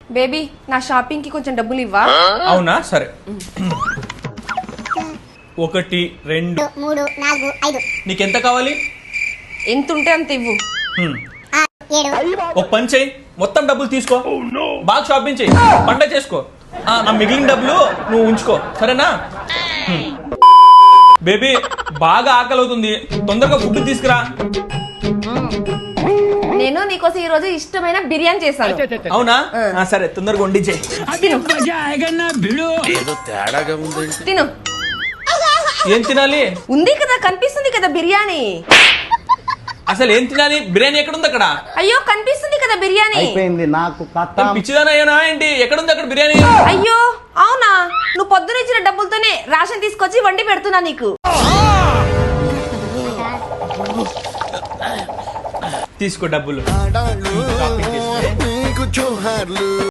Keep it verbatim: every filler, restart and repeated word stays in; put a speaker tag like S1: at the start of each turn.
S1: Baby నా shopping కి కొంచెం డబ్బులు ఇవ్వా?
S2: అవునా సరే. ఒకటి రెండు
S3: మూడు నాలుగు ఐదు.
S2: నీకెంత కావాలి?
S1: ఎంత ఉంటే అంత ఇవ్వు.
S2: హ్మ్.
S3: ఏడు.
S2: ఒక పని చెయ్యి, మొత్తం డబ్బులు తీసుకో, బాగా షాపింగ్ చెయ్యి, పండగ చేసుకో. ఆ, నా మిగిలిన డబ్బులు నువ్వు ఉంచుకో, సరేనా? హ్మ్. బేబీ బాగా ఆకలి అవుతుంది, తొందరగా ఫుడ్ తీసుకురా.
S1: నేను నీకోసం ఈ రోజు ఇష్టమైన బిర్యానీ చేశాను.
S2: అవునా? ఆ, సరే తొందరగా వండి చెయ్యి.
S4: ఏదో తేడాగా ఉంది.
S1: తిను.
S2: ఏం తినాలి?
S1: ఉంది కదా, కనిపిస్తుంది కదా బిర్యానీ.
S2: అసలు ఏం తినాలి? బిర్యానీ ఎక్కడుంది అక్కడ?
S1: అయ్యో కనిపిస్తుంది కదా బిర్యానీ.
S5: అయిపోయింది నాకు కథ.
S2: పిచ్చిదానా ఏంటి? ఎక్కడుంది అక్కడ బిర్యానీ?
S1: అయ్యో అవునా, నువ్వు పొద్దున ఇచ్చిన డబ్బులతోనే రేషన్ తీసుకొచ్చి వండి పెడుతున్నా నీకు.
S2: తీసుకో డబ్బులు.